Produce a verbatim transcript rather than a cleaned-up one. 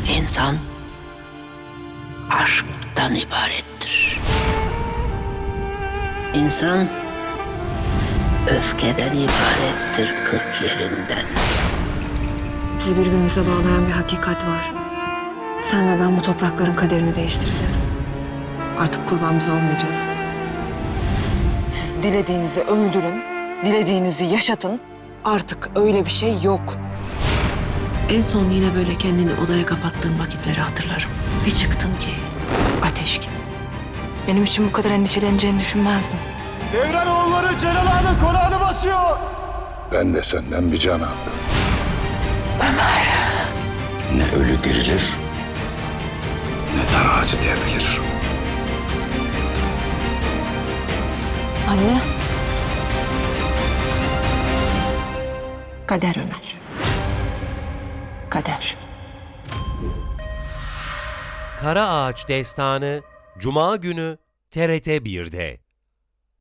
İnsan aşktan ibarettir. İnsan öfkeden ibarettir kırk yerinden. Bizi birbirimize bağlayan bir hakikat var. Sen ve ben bu toprakların kaderini değiştireceğiz. Artık kurban biz olmayacağız. Siz dilediğinizi öldürün, dilediğinizi yaşatın. Artık öyle bir şey yok. En son yine böyle kendini odaya kapattığın vakitleri hatırlarım. Bir çıktın ki ateş gibi. Benim için bu kadar endişeleneceğini düşünmezdim. Devran oğulları Celal Ağa'nın konağını basıyor. Ben de senden bir can aldım. Ömer. Ne ölü dirilir, ne dar ağacı devrilir. Anne. Kader Ömer. Kader. Kara Ağaç Destanı Cuma günü T R T bir'de.